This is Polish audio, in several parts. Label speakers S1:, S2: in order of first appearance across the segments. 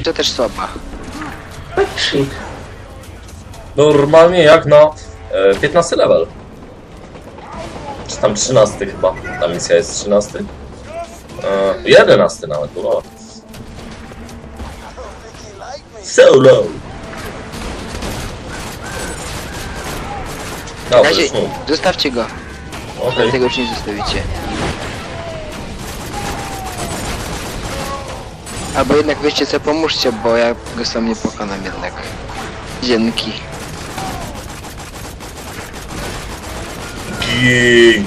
S1: to też słaba.
S2: Shit.
S3: Normalnie jak na 15 level. Czy tam 13 chyba. Ta misja jest 13? 11 nawet, no. Solo!
S1: Na
S3: Dobra,
S1: razie,
S3: już mów.
S1: zostawcie go.
S3: Okej.
S1: Tego już nie zostawicie. Albo jednak wiecie co, pomóżcie, bo ja go sam nie pokonam jednak. Dzięki.
S3: Gin!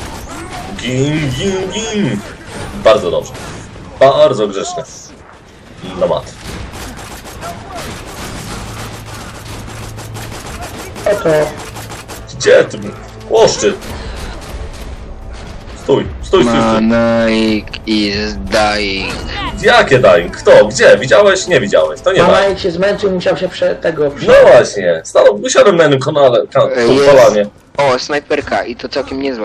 S3: Gin! Bardzo dobrze. Bardzo grzeczne. No mat.
S2: Oto.
S3: Gdzie ty? Łoszczy! Stój.
S1: Manaik is dying.
S3: Jakie dying? Kto? Gdzie? Widziałeś? Nie widziałeś. To nie dying.
S2: Mama jak się zmęczył, musiał się
S3: No właśnie. Usiadłem na jednym kolanie.
S1: O, snajperka i to całkiem niezła.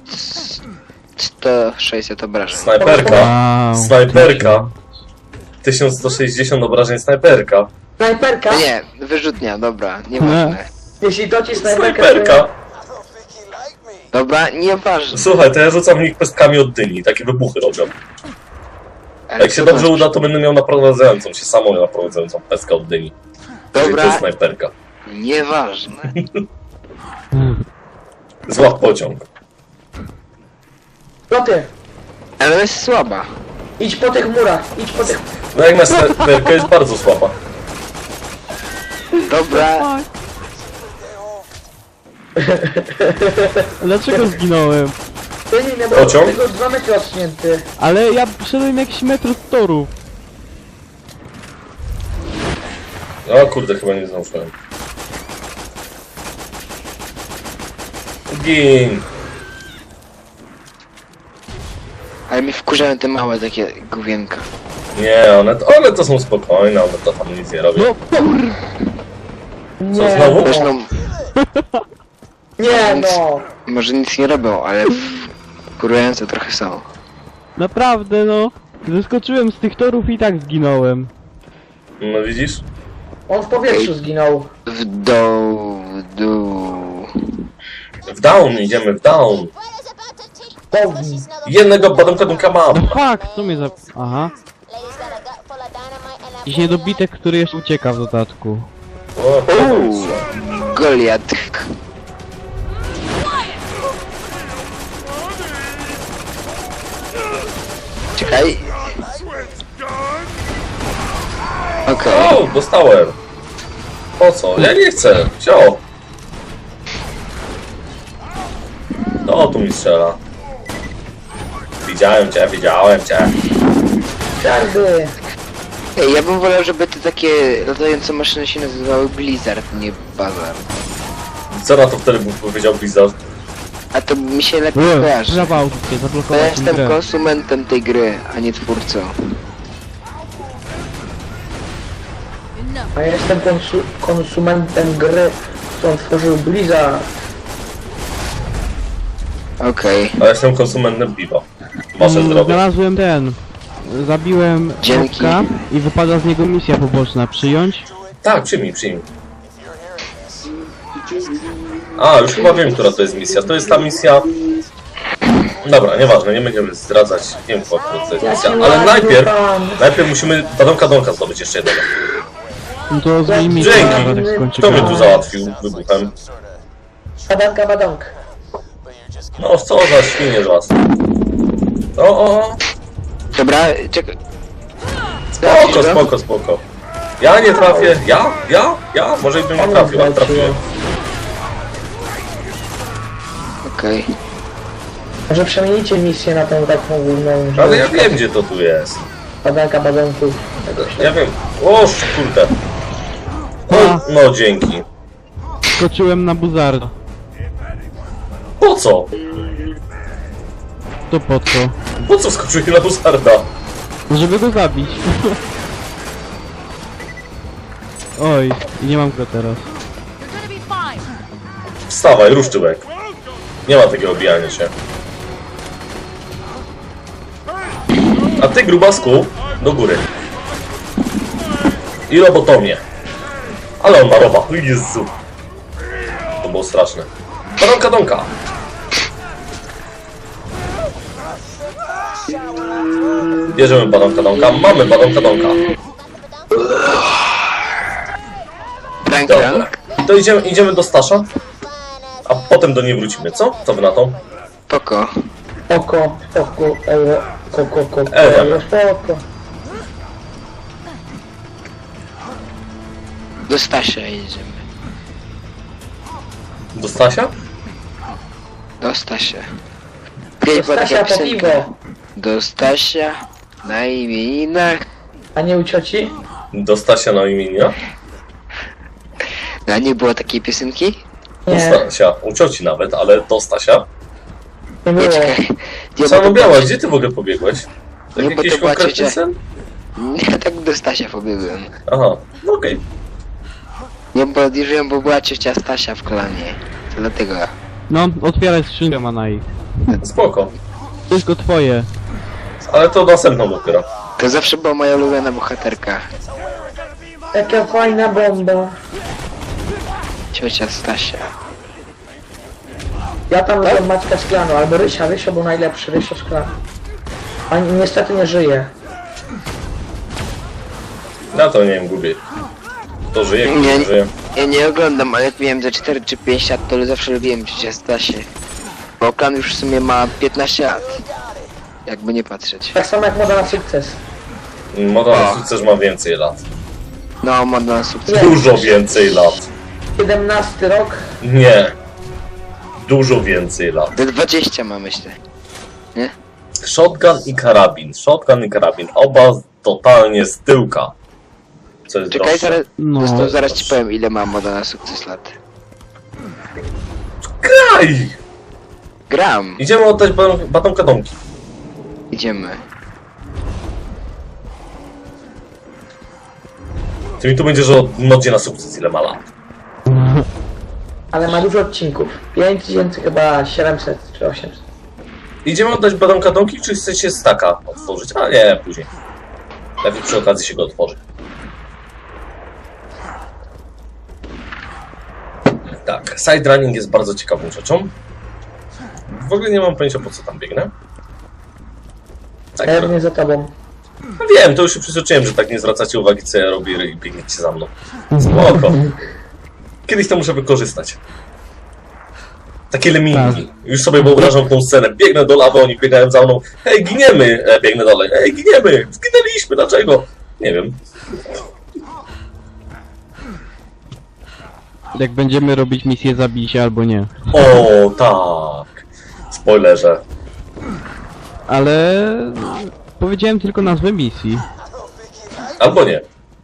S1: 1160 obrażeń.
S3: Snajperka.
S4: Wow.
S3: Snajperka. 1160 obrażeń snajperka.
S2: Snajperka?
S1: No nie, wyrzutnia, dobra, nieważne.
S2: Jeśli to ci snajperka...
S3: Snajperka.
S1: Dobra, nieważne.
S3: Słuchaj, to ja rzucam w nich pestkami od dyni. Takie wybuchy robią.
S1: Ale
S3: Jak się
S1: co
S3: dobrze
S1: to-
S3: uda, to będę miał naprowadzającą się samą naprowadzającą pestkę od dyni. To
S1: Dobra,
S3: jest snajperka.
S1: nieważne.
S3: Złap pociąg.
S2: No ty,
S1: Ale jest słaba.
S2: idź po tych murach, idź po tych...
S3: No jak na snajperkę jest bardzo słaba.
S1: Dobra,
S4: Dlaczego zginąłem?
S2: Ty nie, bo
S3: Pociąg?
S2: tego 2 metry odsunięty.
S4: Ale ja szedłem jakiś metr od toru.
S3: O kurde, chyba nie zdążyłem. Gin!
S1: ale mi wkurzają te małe takie główienka.
S3: Nie, one to są spokojne, one to tam nic nie robią.
S4: No kur...
S3: Co, znowu?
S1: Zresztą,
S2: Nie no.
S1: może nic nie robią, ale wkurzające trochę są.
S4: Naprawdę no. Zeskoczyłem z tych torów i tak zginąłem.
S3: No widzisz?
S2: On w powietrzu zginął.
S1: W dół, w dół.
S3: W down, idziemy w down.
S2: Południ.
S3: Jednego badonka mam.
S4: No fuck, co mnie za... Aha. Jakiś niedobitek, który jeszcze ucieka w dodatku.
S3: O,
S1: Goliat. Czekaj. Okej.
S3: o, dostałem. Po co? Ja nie chcę. Wziął. No, tu mi strzela. Widziałem cię.
S2: Czarny.
S1: Ej, ja bym wolał, żeby te takie latające maszyny się nazywały Blizzard, nie Bazar.
S3: Co na to wtedy bym powiedział Blizzard?
S1: A to mi się lepiej
S4: Ue,
S1: kojarzy.
S4: zawał cię,
S1: Bo ja
S4: zablokować tę
S1: jestem
S4: grę.
S1: konsumentem tej gry, a nie twórcą.
S2: A ja jestem konsumentem gry, którą stworzył Blizzard.
S1: Okej.
S3: A ja jestem konsumentem piwa. Wasze zdrowie.
S4: Znalazłem ten. Zabiłem
S1: Dzięki.
S4: Mopka i wypada z niego misja poboczna. Przyjąć?
S3: Tak, przyjmij. A, już chyba wiem, która to jest misja. To jest ta misja... Dobra, nieważne, nie będziemy zdradzać. Nie wiem, która to jest misja. Ale najpierw musimy badonka zdobyć jeszcze jednego.
S4: No to zmień misję,
S3: Dzięki.
S4: zaraz jak skończy
S3: Kto mnie
S4: grę.
S3: tu załatwił wybuchem?
S2: Badonk.
S3: No, co za świnie z was. O.
S1: Dobra, czekaj.
S3: Spoko. Ja nie trafię. Ja? Może bym nie trafił, ale trafiłem.
S1: Okej.
S2: Może przemienicie misję na tą taką główną, że...
S3: Ale ja wiem, gdzie to tu jest.
S2: Badonków.
S3: Ja wiem. O, kurde. No, dzięki.
S4: Skoczyłem na buzarda.
S3: Po co?
S4: To po co?
S3: Po co skoczyłeś na Busarda?
S4: Żeby go zabić. Oj, i nie mam go teraz.
S3: Wstawaj, ruszczyłek. Nie ma takiego obijania się. A ty, grubasku, do góry. I lobotomię. Ale on ma roba. O Jezu. To było straszne. Badonka donka. Bierzemy badonka donka. Mamy badonka donka.
S1: Prank,
S3: Dobra.
S1: prank.
S3: To idziemy do Stasza. A potem do niej wrócimy, co? Co wy na to?
S1: Poko.
S2: Oko, euro, koko,
S3: Euro.
S2: spoko.
S1: Do Stasia jedziemy.
S3: Do Stasia?
S1: Do Stasia. Kiedyś była
S2: Stasia
S1: taka
S2: po
S1: piosenka.
S2: piwo.
S1: Do Stasia na imieninach.
S2: A nie u cioci?
S3: Do Stasia na imienia?
S1: A nie było takiej piosenki?
S3: Do
S2: Nie,
S3: Stasia. U cioci nawet, ale do Stasia.
S2: nie
S1: Nie,
S2: było.
S1: czekaj. Nie,
S3: Co
S1: bo to
S3: robiałaś?
S1: była-
S3: Gdzie ty w ogóle pobiegłeś? Tak
S1: Nie, bo
S3: jakiś
S1: to była
S3: konkretny
S1: ciocia.
S3: sen?
S1: Nie, tak do Stasia pobiegłem.
S3: Aha, no okej.
S1: Nie, bo odjeżdżałem, bo była ciocia Stasia w kolanie. To dlatego.
S4: No, otwieraj skrzynkę, Manai.
S3: Spoko.
S4: Wszystko twoje.
S3: Ale to następną dopiero.
S1: To zawsze była moja ulubiona bohaterka.
S2: Jaka fajna bomba.
S1: Ciocia Stasia.
S2: Ja tam lubię Maćka Szklanu, albo Rysia, Rysio był najlepszy, Rysio Szklanu. A niestety nie żyje.
S3: Ja to nie wiem, gubię. To żyje, kto
S1: Nie,
S3: nie żyje.
S1: ja nie oglądam, ale jak miałem ze 4 czy 5 lat, to zawsze lubiłem ciocia Stasię. Bo klan już w sumie ma 15 lat. Jakby nie patrzeć.
S2: Tak samo jak Moda na sukces.
S3: Moda na sukces ma więcej lat.
S1: No, modna na sukces.
S2: Nie.
S3: Dużo więcej lat.
S2: 17 rok.
S3: Nie. Dużo więcej lat.
S1: Do 20 ma, myślę. Nie?
S3: Shotgun i karabin. Shotgun i karabin. Oba totalnie z tyłka. Co jest
S1: Czekaj,
S3: droższe.
S1: zaraz,
S4: No.
S1: zaraz ci powiem, ile ma moda na sukces lat.
S3: Kraj!
S1: Gram.
S3: Idziemy oddać batonka domki.
S1: Idziemy.
S3: Ty mi tu będziesz o modzie na sukces, ile ma lat.
S2: Ale ma dużo odcinków. 5000 chyba 700 czy 800.
S3: Idziemy oddać batonka domki, czy chcecie staka otworzyć? A nie, później. Lepiej przy okazji się go otworzy. Tak, side running jest bardzo ciekawą rzeczą. W ogóle nie mam pojęcia, po co tam biegnę. Tak,
S2: Pewnie za tobą.
S3: no wiem, to już się przyzwyczaiłem, że tak nie zwracacie uwagi, co ja robię i biegniecie za mną. Spoko. Kiedyś to muszę wykorzystać. Takie lemingi. Już sobie wyobrażam tą scenę. Biegnę do lawy, oni biegają za mną. Hej, giniemy! Biegnę dalej. Hej, giniemy! Zginęliśmy, dlaczego? Nie wiem.
S4: Jak będziemy robić misję zabij się albo nie.
S3: O, tak. Spoilerze.
S4: Ale... Powiedziałem tylko nazwę misji.
S3: Albo nie.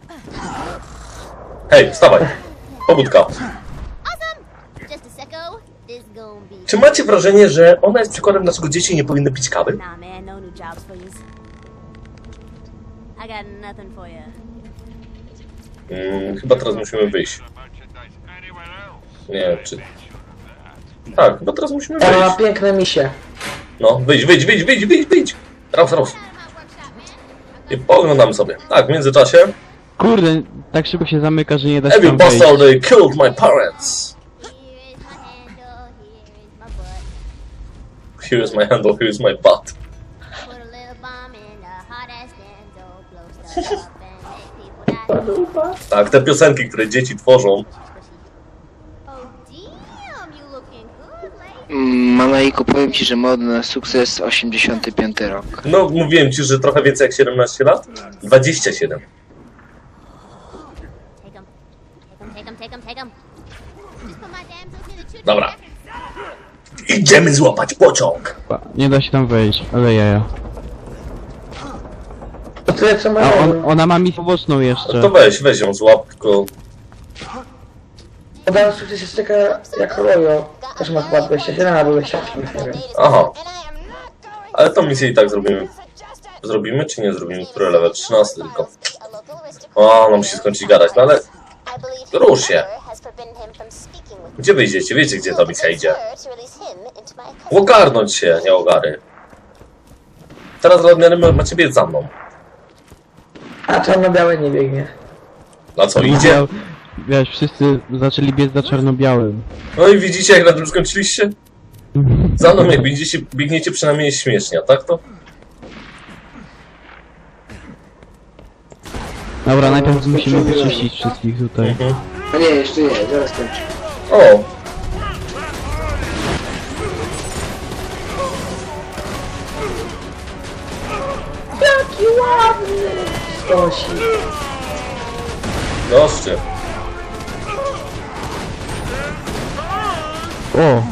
S3: Hej, wstawaj. Pobudka.
S5: Just a second, this gon' be.
S3: Czy macie wrażenie, że ona jest przykładem, dlaczego dzieci nie powinny pić kawy?
S5: Nah, man, no new jobs, please. I got nothing for you.
S3: Chyba teraz musimy wyjść. Nie, czy... Tak, chyba teraz musimy
S2: Ona ma
S3: wyjść.
S2: piękne misie.
S3: No, wyjdź. Raus. I pooglądam sobie. Tak, w międzyczasie.
S4: Kurde, tak szybko się zamyka, że nie da się
S3: Every
S4: tam wejść.
S3: bastard, they killed my parents.
S5: Here is my handle, here is my
S3: Here is my handle, here
S5: butt.
S3: is my butt.
S5: Put a little bomb in the hot ass stanzo, blow stuff up and make people die.
S3: Tak, te piosenki, które dzieci tworzą.
S5: Oh damn, you looking good, lady.
S1: Manaiku, powiem ci, że moda na sukces 85 rok.
S3: No, mówiłem ci, że trochę więcej jak 17 lat? 27.
S5: Take 'em. Take 'em. Just put my damsels in the choo-choo.
S3: Dobra. Idziemy złapać pociąg.
S4: Nie da się tam wejść, ale jaja.
S2: To tyle co ma.
S4: A ona ma misję poboczną jeszcze.
S3: To weź ją złap, tylko...
S2: Moda na sukces jest taka jak Rojo. Też ma chyba 27 albo 28, nie wiem.
S3: Aha. Ale tą misję i tak zrobimy. Zrobimy czy nie zrobimy? Który level? 13 tylko. O, no musi skończyć gadać, no ale... Rusz się. Gdzie wyjdziecie? Wiecie, gdzie ta misja idzie. Ogarnąć się, nie ogary. Teraz macie biec za mną.
S2: A czarno-białe nie biegnie.
S3: Na co, idzie?
S4: Wiesz, wszyscy zaczęli biec za czarno-białym.
S3: No i widzicie, jak na tym skończyliście? Za mną jak biegniecie przynajmniej śmiesznie, a tak to?
S4: Dobra, najpierw musimy wyczyścić wszystkich tutaj.
S3: Mhm.
S1: No nie, jeszcze nie, zaraz kończę.
S3: O!
S2: Jaki ładny! Stosi.
S3: Goście.
S4: O!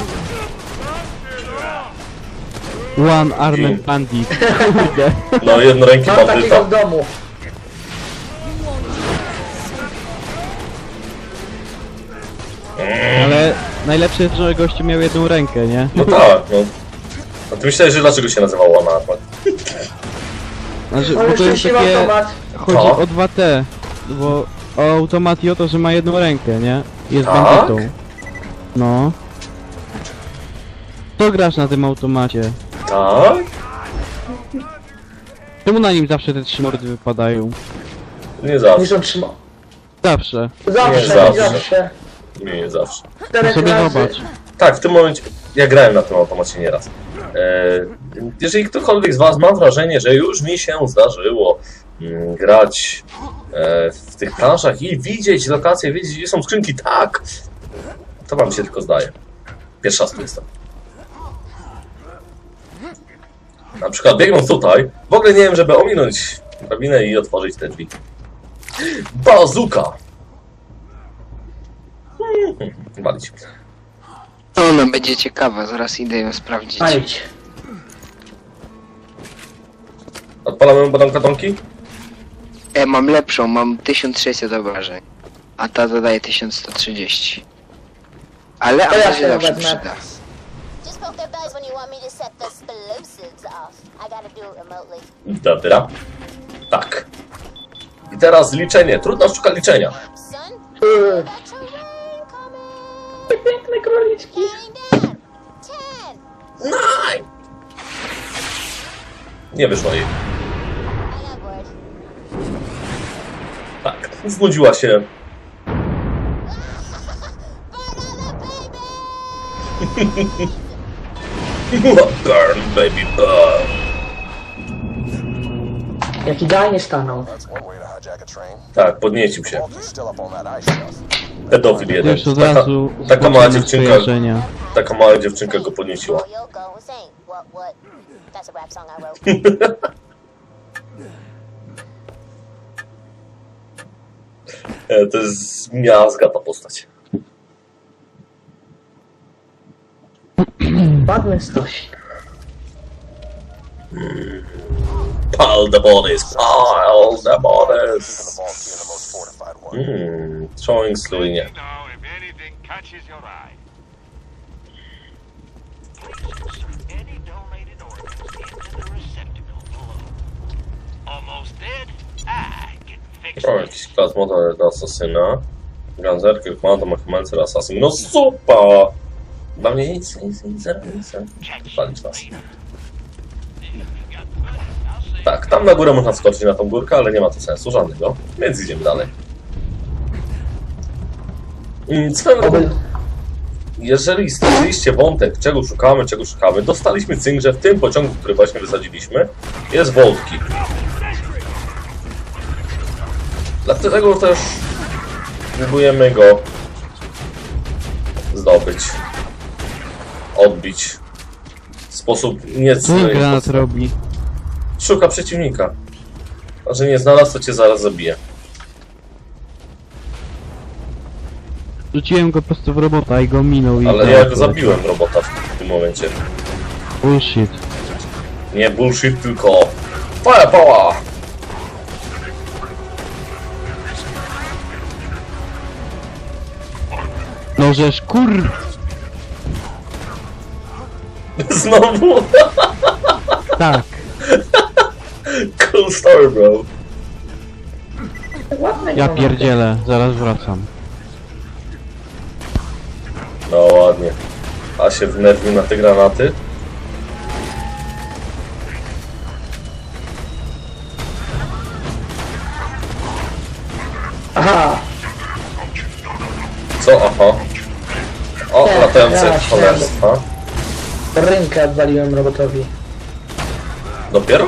S4: One Armed Bandit. Kurde.
S3: No jednoręki
S2: Mam takiego
S3: bandyta.
S2: w domu.
S4: Ale najlepsze jest, że gościu miał jedną rękę, nie?
S3: No tak, no. A ty myślałeś, że dlaczego się nazywał One Armed?
S4: Znaczy,
S2: Ale
S4: bo to jest
S2: szczęśliwy
S4: takie...
S2: automat.
S4: Chodzi
S3: Co?
S4: o 2T. Bo o automat i o to, że ma jedną rękę, nie? Jest
S3: Tak?
S4: bandytą. No. To grasz na tym automacie.
S3: Tak?
S4: Czemu na nim zawsze te 3 mordy wypadają?
S3: Nie
S2: Niż
S3: zawsze.
S2: on trzyma.
S4: Zawsze.
S2: Zawsze,
S3: zawsze.
S2: zawsze.
S3: Nie zawsze.
S4: To
S2: 4
S4: sobie
S2: razy.
S4: zobacz.
S3: Tak, w tym momencie ja grałem na tym automacie nieraz. Jeżeli ktokolwiek z was ma wrażenie, że już mi się zdarzyło grać w tych planszach i widzieć lokacje, wiedzieć gdzie są skrzynki, tak, to wam się tylko zdaje. Pierwszy raz tu jestem. Na przykład biegnąc tutaj, w ogóle nie wiem, żeby ominąć drabinę i otworzyć te drzwi. Bazuka! Walić.
S1: Ona będzie ciekawa, zaraz idę ją sprawdzić.
S2: Ajdź.
S3: Odpalamy batonki?
S1: Mam lepszą, mam 1600 obrażeń. A ta dodaje 1130. Ale
S2: To ja
S1: ona się
S2: się
S1: zawsze
S2: wezmę.
S1: przyda.
S5: Just poke their bellies when you want me to set the explosives off. I gotta do it remotely.
S3: Dobra. Tak. I teraz liczenie. Trudna sztuka liczenia.
S5: Son,
S2: Yy,
S5: got your rain coming.
S2: Piękne króliczki.
S5: Counting down. 10.
S3: Nine! Nie wyszło jej.
S5: I got bored.
S3: Tak. Znudziła się. Burn, baby, burn.
S2: Jak idealnie stanął.
S6: That's one way to hijack a train.
S3: Tak, podniecił się.
S6: Walker's still up on that ice shelf.
S3: Pedofil jeden.
S4: Już od razu
S3: Taka mała
S4: zobaczymy
S3: dziewczynka,
S4: skojarzenia.
S3: taka mała dziewczynka go podnieciła.
S5: Or you'll go insane. What? That's a rap song I wrote.
S3: To jest miazga ta postać.
S2: Ładny stoś.
S3: Pile the bodies, pile the bodies.
S6: The vault being the most fortified one.
S3: Throwing slow, nie.
S7: Know if anything catches your eye. Any donated organs into the receptacle below. Almost dead? I can fix
S3: O,
S7: it.
S3: jakiś klas model do asasyna. Ganzerker, Komando, Machimancer, Assassin. No super! Dla mnie nic. Palić was. Tak, tam na górę można skoczyć na tą górkę, ale nie ma to sensu żadnego. Więc idziemy dalej. Swoją drogą, jeżeli stworzyliście wątek, czego szukamy, dostaliśmy cynk, że w tym pociągu, który właśnie wysadziliśmy, jest Vault Key. Dlatego też próbujemy go zdobyć, odbić w sposób
S4: Co ten
S3: niecny.
S4: granat robi?
S3: Szuka przeciwnika. A że nie znalazł, to cię zaraz zabije.
S4: Rzuciłem go po prostu w robota i go minął i...
S3: Ale ja go zabiłem, robota, w tym momencie.
S4: Bullshit.
S3: Nie bullshit, tylko firepower!
S4: No żeż kur...
S3: Znowu!
S4: Tak.
S3: Cool story, bro.
S2: Ładny
S4: Ja
S2: granat.
S4: pierdzielę, zaraz wracam.
S3: No ładnie. A się wnerwił na te granaty.
S2: Aha, Aha,
S3: Co? Aha. O,
S2: Tak,
S3: latające
S2: tak,
S3: cholerstwa.
S2: rękę odwaliłem robotowi.
S3: Dopiero?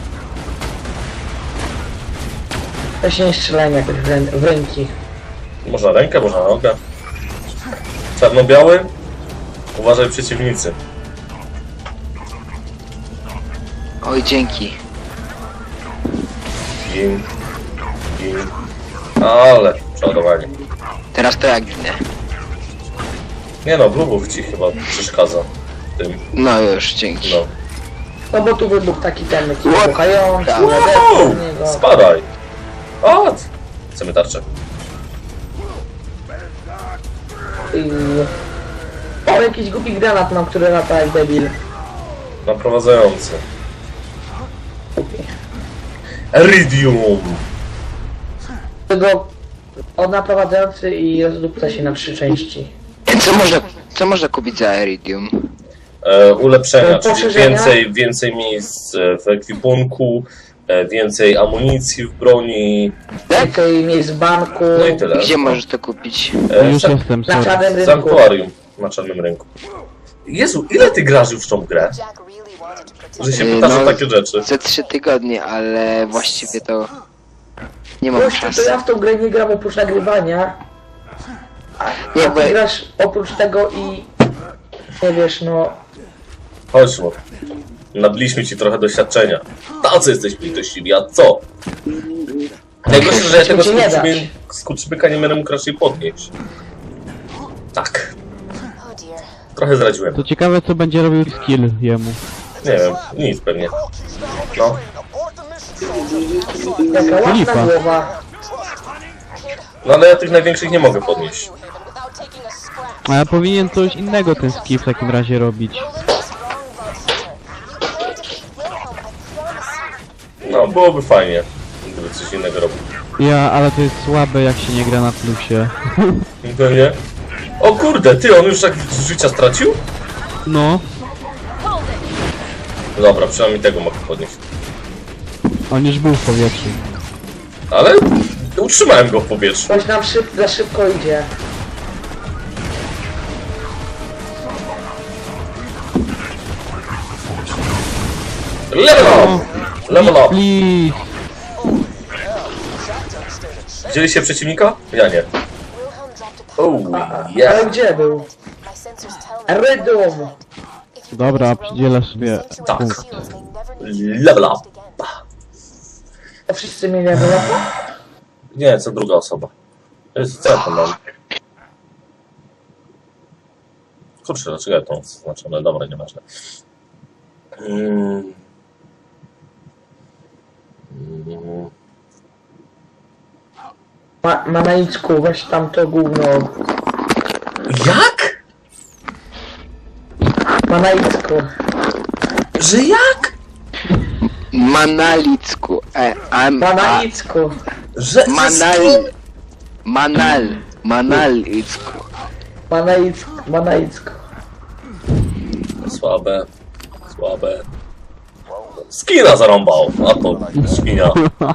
S2: To się nie strzelałem jakoś w ręki.
S3: Można rękę, można nogę. Czarno-biały? Uważaj przeciwnicy.
S1: Oj, dzięki.
S3: Gin. Gin. Ale przeładowanie.
S1: Teraz to ja ginę.
S3: Nie no, blubów ci chyba przeszkadza. w Tym,
S1: No już, dzięki.
S3: no.
S2: No bo tu wybuchł taki ten
S1: What?
S2: wybuchający,
S1: Tak.
S3: Wow!
S2: na niego.
S3: Spadaj! O! Chcemy tarczę.
S2: O, jakiś głupi granat mam, który lata jak debil.
S3: Naprowadzający. Iridium!
S2: Tego od naprowadzający i rozdupca się na 3 części.
S1: Co można kupić za Iridium?
S3: Ulepszenia, czyli
S2: Poszerzenia?
S3: więcej miejsc w ekwipunku, więcej amunicji w broni.
S2: Więcej miejsc w banku.
S3: No i tyle.
S1: Gdzie możesz to kupić?
S4: Już
S3: San-
S4: jestem,
S2: Na
S4: sorry.
S2: czarnym rynku.
S3: Sanktuarium na czarnym rynku. Jezu, ile ty grasz już w tą grę? Że się pytasz o takie rzeczy.
S1: Za 3 tygodnie, ale właściwie to nie mam
S2: Gościu, to
S1: czasu.
S2: ja w tą grę nie gram oprócz nagrywania.
S1: Nie,
S2: A
S1: bo
S2: ty grasz oprócz tego i... Nie wiesz, no...
S3: Chodź, no. Nabiliśmy ci trochę doświadczenia. Tacy jesteśmy litościwi, a co? Najgorsze, że ja tego
S2: Ci nie dać.
S3: skurczybyka nie będę mógł raczej podnieść. Tak. Trochę zdradziłem.
S4: To ciekawe co będzie robił skill jemu.
S3: Nie wiem, nic pewnie. No.
S2: Jaka ładna
S4: Lipa.
S2: głowa.
S3: No ale ja tych największych nie mogę podnieść.
S4: A ja powinien coś innego ten skill w takim razie robić.
S3: No, byłoby fajnie, gdyby coś innego robił.
S4: Ale to jest słabe jak się nie gra na plusie.
S3: No nie? O kurde, ty, on już tak życia stracił?
S4: No,
S3: Dobra, przynajmniej tego mogę podnieść.
S4: on już był w powietrzu.
S3: Ale utrzymałem go w powietrzu.
S2: Coś nam za szybko idzie.
S3: Level up! Level up!
S4: Please!
S3: Widzieliście przeciwnika? Ja nie. Oh,
S2: Ale
S3: yeah.
S2: gdzie był? Redum!
S4: Dobra, przydzielę sobie
S3: Tak.
S4: punkt.
S3: Level up!
S2: To wszyscy mieli levelapa?
S3: Nie, co druga osoba. To jest co ja tam mam? Kurczę, dlaczego ja to mam zaznaczone? Dobra, nieważne. Mm.
S2: Ma na icku, weź tam to gówno.
S3: Jak?
S2: Ma na icku.
S3: Że jak?
S1: Manalicku.
S2: Ma na icku.
S3: Że...
S1: Manalicku.
S2: Ma na icku. Ma na icku.
S3: Słabe. Słabe. Skina zarąbał, a to świnia.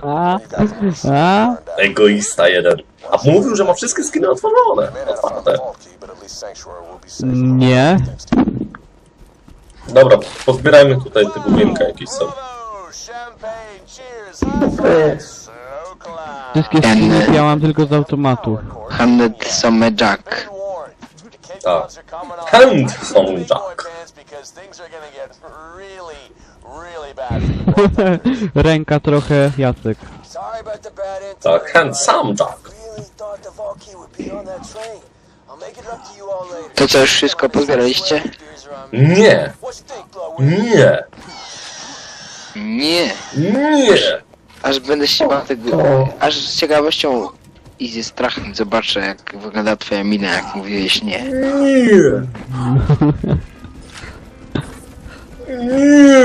S4: A?
S3: Egoista jeden. A mówił, że ma wszystkie skiny otworzone. Otwarte.
S4: Nie.
S3: Dobra, pozbierajmy tutaj tego winka jakieś są.
S4: Wszystkie skiny ja mam tylko z automatu.
S1: Handed some Jack.
S3: Tak. Hand są Jack.
S4: Ręka trochę Jacek.
S3: Tak, hand sam Jack.
S1: To co, już wszystko pozbieraliście?
S3: Nie. Nie.
S1: Nie.
S3: Nie.
S1: Aż będę się bał tego... Aż z ciekawością i ze strachem zobaczę, jak wygląda twoja mina, jak mówiłeś nie.
S3: Nie. Nie.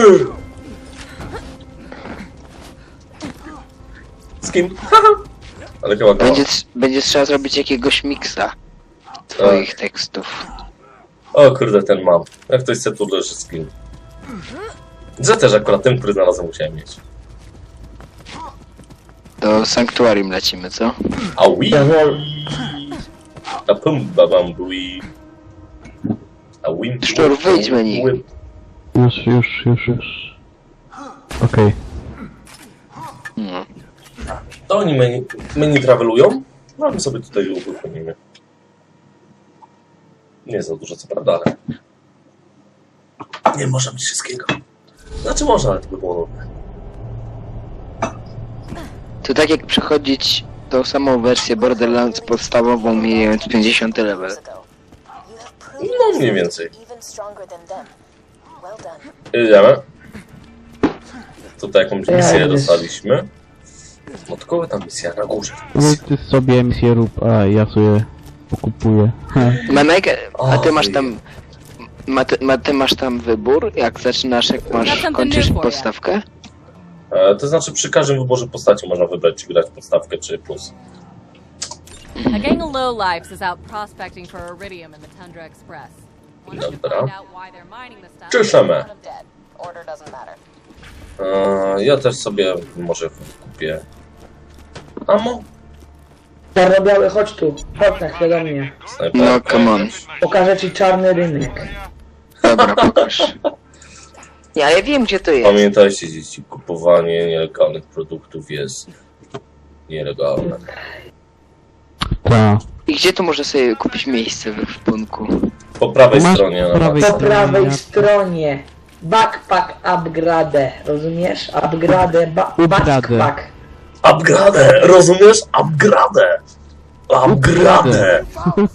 S3: Z kim? Ale chyba go.
S1: Będzie trzeba zrobić jakiegoś miksa twoich tekstów.
S3: O kurde, ten mam. Jak ktoś chce, tu leży skin. Że też akurat ten, który znalazłem, musiałem mieć.
S1: Do Sanktuarium lecimy, co?
S3: A wi.
S2: Jawol.
S3: A pum babam bui. A wim.
S1: Szczur, wyjdź menu.
S4: Już. Okej.
S1: No.
S3: To oni menu travelują? No my sobie tutaj uruchomimy. Nie za dużo co prawda, ale... Nie można mieć wszystkiego. Znaczy można, ale to by było nudne.
S1: To tak jak przechodzić tą samą wersję Borderlands podstawową, mijając 50 level.
S3: No mniej więcej.
S8: Even stronger than them. Well done.
S3: Idziemy. Tutaj jakąś misję
S2: Ja
S3: dostaliśmy. Od kogo ta misja? Na górze.
S4: No ty sobie misję rób, a ja sobie pokupuję.
S1: Manek, a ty masz
S3: Oj.
S1: tam... Ty masz tam wybór, jak zaczynasz, jak masz, kończysz podstawkę?
S3: To znaczy przy każdym wyborze postaci można wybrać, czy grać podstawkę, czy plus.
S9: A gang of lowlifes is out prospecting for iridium in the Tundra Express. Wanted to
S3: Dobra.
S9: find out why they're mining the stuff.
S3: Czyszemy.
S8: Let 'em dead. Order doesn't matter.
S3: Ja też sobie może kupię ammo.
S2: Czarno-biały, chodź tu. Chodź na chwilę do mnie.
S3: Snajper.
S1: No, come on.
S2: Pokażę ci czarny rynek.
S1: Dobra, pokaż. Ja wiem, gdzie to jest.
S3: Pamiętajcie dzieci, kupowanie nielegalnych produktów jest nielegalne.
S4: Ta.
S1: I gdzie tu można sobie kupić miejsce w ekwipunku?
S3: Po prawej
S4: Masz
S3: stronie
S4: po
S3: na
S4: prawej
S3: mapie.
S2: Po prawej
S4: Ja-
S2: stronie. Backpack upgrade. Rozumiesz? Upgrade. Backpack.
S3: Upgrade, rozumiesz? Upgrade! Upgrade!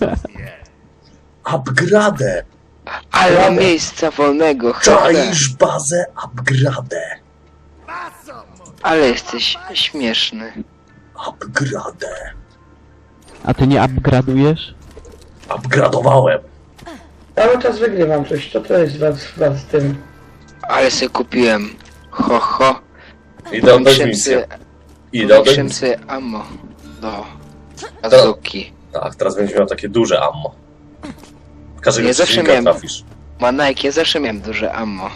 S3: Upgrade!
S1: Ale
S2: Dobra.
S1: miejsca wolnego, chcę.
S3: Czaisz bazę upgrade!
S1: Ale jesteś śmieszny.
S3: Upgrade!
S4: A ty nie upgradujesz?
S3: Upgradowałem!
S2: Cały czas wygrywam coś. Co to jest was z tym?
S1: Ale sobie kupiłem. Ho.
S3: Idę oddać misję. Idę oddać misję.
S1: Powiększam sobie ammo. Do bazuki.
S3: Tak, teraz będziesz miał takie duże ammo. Każdego
S1: Ja zawsze
S3: przeciwnika
S1: miałem-
S3: trafisz.
S1: Manajk, ja zawsze miałem duże ammo.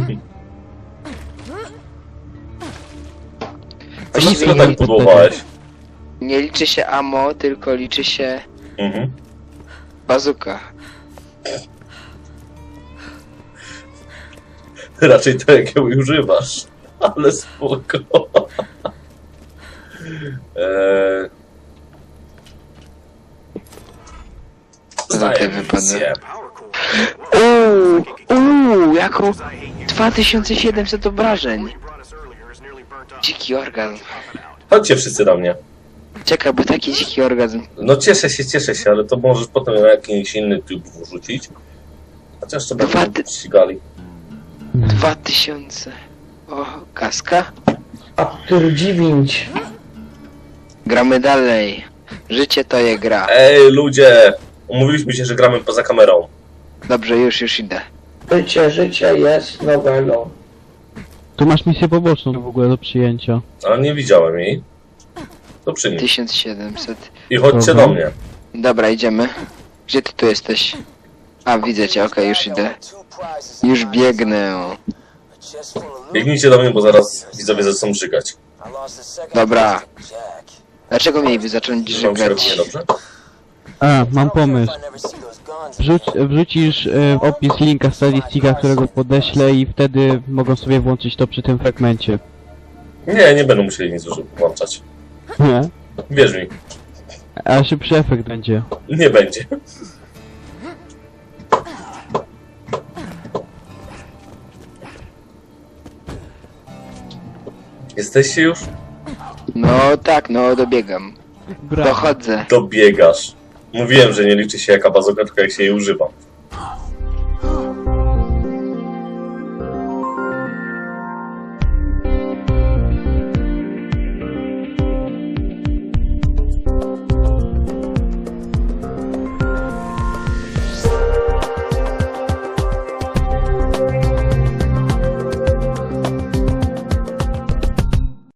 S3: Co na
S1: Właściwie
S3: chwilę tak budowałeś?
S1: nie liczy się ammo, tylko liczy się
S3: Mhm.
S1: bazuka.
S3: Raczej to, jakiego używasz. Ale spoko. Zdaję
S1: wypada.
S3: misję.
S1: Jaką 2700 obrażeń. Dziki orgazm.
S3: Chodźcie wszyscy do mnie.
S1: Czekaj, bo taki dziki orgazm.
S3: No cieszę się, ale to możesz potem na jakiś inny tube wrzucić. Chociaż to będą ścigali.
S1: 2000. O, kaska.
S2: A tu 9.
S1: Gramy dalej. Życie to je gra.
S3: Ej, ludzie! Umówiliśmy się, że gramy poza kamerą.
S1: Dobrze, już idę.
S2: Życie jest nowelą.
S4: Tu masz misję poboczną w ogóle do przyjęcia.
S3: Ale nie widziałem jej. To przynieś.
S1: 1700.
S3: I chodźcie
S4: Dobra.
S3: do mnie.
S1: Dobra, idziemy. Gdzie ty tu jesteś? A, widzę cię, okej, już idę. Już biegnę.
S3: Biegnijcie do mnie, bo zaraz widzowie zaczną żygać.
S1: Dobra. Dlaczego mieliby zacząć
S3: Wam się robi
S1: żygać?
S3: niedobrze?
S4: A, mam pomysł. Wrzucisz w opis linka statistika, którego podeślę i wtedy mogą sobie włączyć to przy tym fragmencie.
S3: Nie będą musieli nic włączać.
S4: Nie?
S3: Wierz mi,
S4: A szybszy efekt będzie.
S3: nie będzie. Jesteście już?
S1: No tak, no dobiegam.
S4: Brawo.
S1: Dochodzę.
S3: Dobiegasz. Mówiłem, że nie liczy się jaka bazoka, tylko jak się jej używa.